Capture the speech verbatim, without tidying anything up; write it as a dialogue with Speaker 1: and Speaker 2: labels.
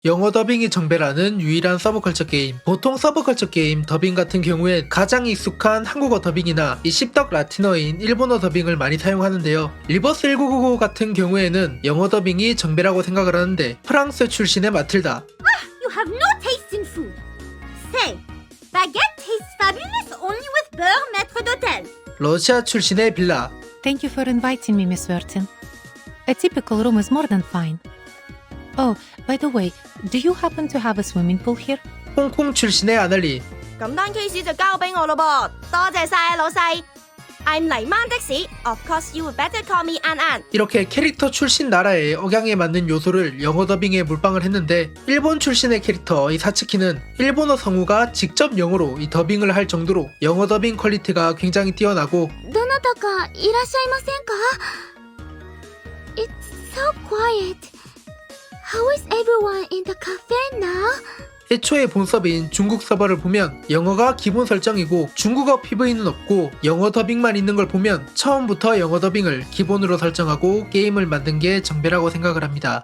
Speaker 1: 영어 더빙이 정배라는 유일한 서브컬처 게임. 보통 서브컬처 게임 더빙 같은 경우에 가장 익숙한 한국어 더빙이나 이 씹덕 라틴어인 일본어 더빙을 많이 사용하는데요. 리버스 천구백구십오 같은 경우에는 영어 더빙이 정배라고 생각을 하는데 프랑스 출신의 마틸다.
Speaker 2: You have no taste in food. Say, baguette tastes fabulous only with beurre maître d'hôtel.
Speaker 1: 러시아 출신의 빌라.
Speaker 3: Thank you for inviting me, Miss Wertin. A typical room is more than fine. Oh, by the way, do you happen to have a swimming pool here?
Speaker 1: 홍콩 출신의 아날리.
Speaker 2: 咁單 case 就交俾我咯噃，多謝晒老細。I'm 黎曼的士 Of course you would better call me An An.
Speaker 1: 이렇게 캐릭터 출신 나라의 억양에 맞는 요소를 영어 더빙에 몰빵을 했는데 일본 출신의 캐릭터 이 사츠키는 일본어 성우가 직접 영어로 이 더빙을 할 정도로 영어 더빙 퀄리티가 굉장히 뛰어나고
Speaker 2: どなたかいらっしゃいませんか It's so quiet. How is everyone in the cafe now?
Speaker 1: 애초에 본 서버인 중국 서버를 보면 영어가 기본 설정이고 중국어 피브이는 없고 영어 더빙만 있는 걸 보면 처음부터 영어 더빙을 기본으로 설정하고 게임을 만든 게 정배라고 생각을 합니다.